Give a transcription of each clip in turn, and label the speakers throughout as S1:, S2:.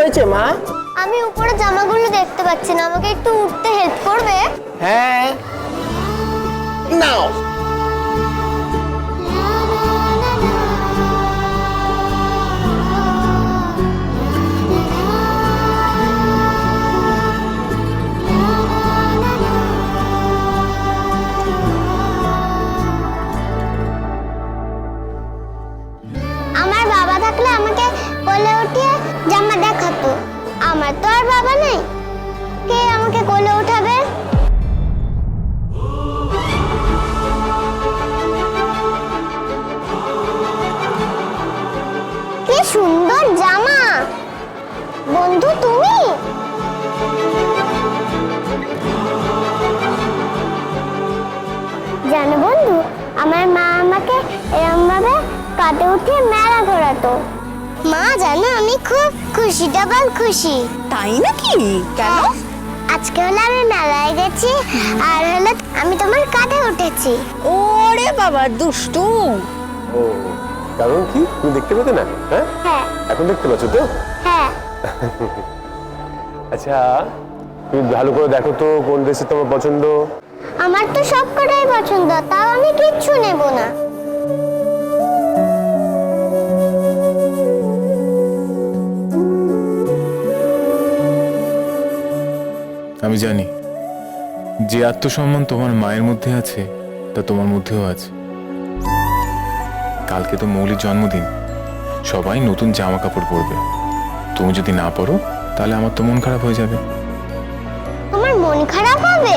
S1: হয়েছে মা?
S2: আমি উপরে জামাগুলো দেখতে পাচ্ছি না, আমাকে একটু উঠতে হেল্প করবে?
S1: হ্যাঁ, নাও।
S2: আমার বাবা থাকলে আমাকে কোলে উঠিয়ে জামা দেখাতো। আমার তো আর বাবা নেই, কে আমাকে কোলে উঠাবে? কি সুন্দর জামা! বন্ধু তুমি? জানো বন্ধু, আমার মা আমাকে এরকম ভাবে কাঁধে উঠিয়ে মেলা ঘোরাতো। মা জানো আমি খুব খুশি, ডাবল খুশি।
S3: তাই নাকি? কেন?
S2: আজকে হলো আমি মেলায় গেছি, আর হলো আমি তোমার কাঁধে উঠেছি।
S3: ওরে বাবা দুষ্টু!
S4: ও, কারণ কি তুমি দেখতে পেতে না? হ্যাঁ,
S2: হ্যাঁ
S4: এখন দেখতে পাচ্ছ তো?
S2: হ্যাঁ।
S4: আচ্ছা, তুমি ভালো করে দেখো তো কোন ড্রেসটা তোমার পছন্দ।
S2: আমার তো সব কটাই পছন্দ, তাও আমি কিচ্ছু নেব না।
S5: আমি জানি যে আত্মসম্মান তোমার মায়ের মধ্যে আছে তা তোমার মধ্যেও আছে। কালকে তো মৌলির জন্মদিন, সবাই নতুন জামা কাপড় পরবে। তুমি যদি না পরো তাহলে আমার তো মন খারাপ হয়ে যাবে।
S2: তোমার মন খারাপ হবে?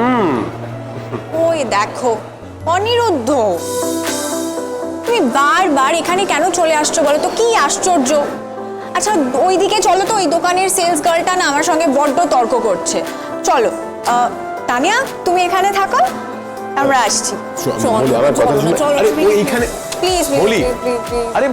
S3: ওই দেখো অনিরুদ্ধ, তুমি বারবার এখানে কেন চলে আসছো বলো তো? কি আশ্চর্য! আচ্ছা ওইদিকে চলো তো, ওই দোকানের সেলস গার্লটা না আমার সঙ্গে বড্ড তর্ক করছে। চলো তানিয়া তুমি এখানে থাকো, আমরা আসছি।
S4: বলি, আমার কথা শুনে। আরে ও এইখানে
S3: প্লিজ
S4: বলি। আরে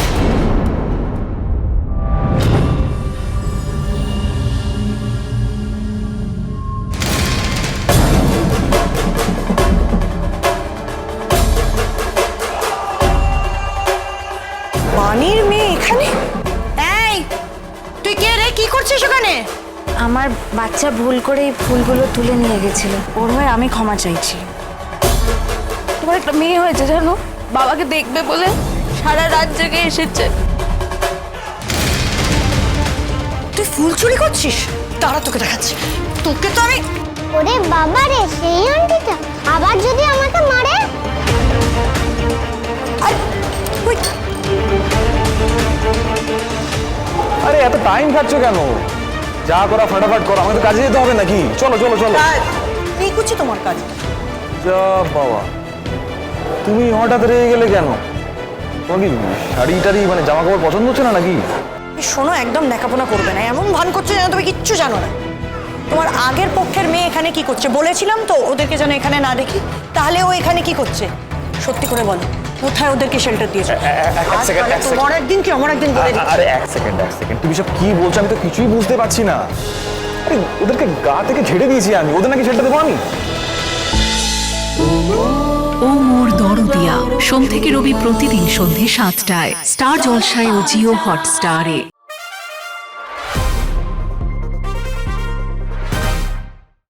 S3: বাণীর মেয়ে এখানে?
S6: এই তুই কে রে, কি করছিস ওখানে?
S7: আমার বাচ্চা ভুল করে এই ফুলগুলো তুলে নিয়ে গেছিল, ওর হয়ে আমি ক্ষমা চাইছি। তোমার একটা মেয়ে হয়েছে জানো, বাবাকে দেখবে বলে সারা রাত জেগে এসেছে।
S6: তুই ফুল চুরি করছিস? তারা তোকে দেখাচ্ছি, তোকে তো আমি।
S2: ওরে বাবা রে, সেই আন্টিটা আবার যদি আমাকে মারে?
S8: আরে এত টাইম খাচ্ছ কেন? যা করা ফটাফট করো, আমাদের কাজে যেতে হবে নাকি? চলো চলো চলো।
S6: কি করছি তোমার কাজ?
S8: যা বাবা, তুমি হঠাৎ রেগে গেলে কেন? তোমার কি শাড়ি টাড়ি মানে জামা কাপড় পছন্দ হচ্ছে না নাকি?
S6: শোনো, একদম দেখাপোনা করবে না, এমন ভান করছো যেন তুমি কিচ্ছু জানো না। তোমার আগের পক্ষের মেয়ে এখানে কি করছে? বলেছিলাম তো ওদেরকে যেন এখানে না দেখি। তাহলে ও এখানে কি করছে সত্যি করে বলো, কোথায় ওদেরকে শেল্টার দিয়েছো? তোমার একদিন কি আমার একদিন বলে দিচ্ছি।
S8: আরে এক সেকেন্ড, তুমি সব কি বলছো? আমি তো কিছুই বুঝতে পারছি না। আরে ওদেরকে গা থেকে ঝেড়ে দিয়েছি আমি, ওদের নাকি শেল্টার দেবো আমি?
S9: ও মোর দরদিয়া, সোম থেকে রবি প্রতিদিন সন্ধে ৭টায় স্টার জলসায় ও জিও হটস্টারে।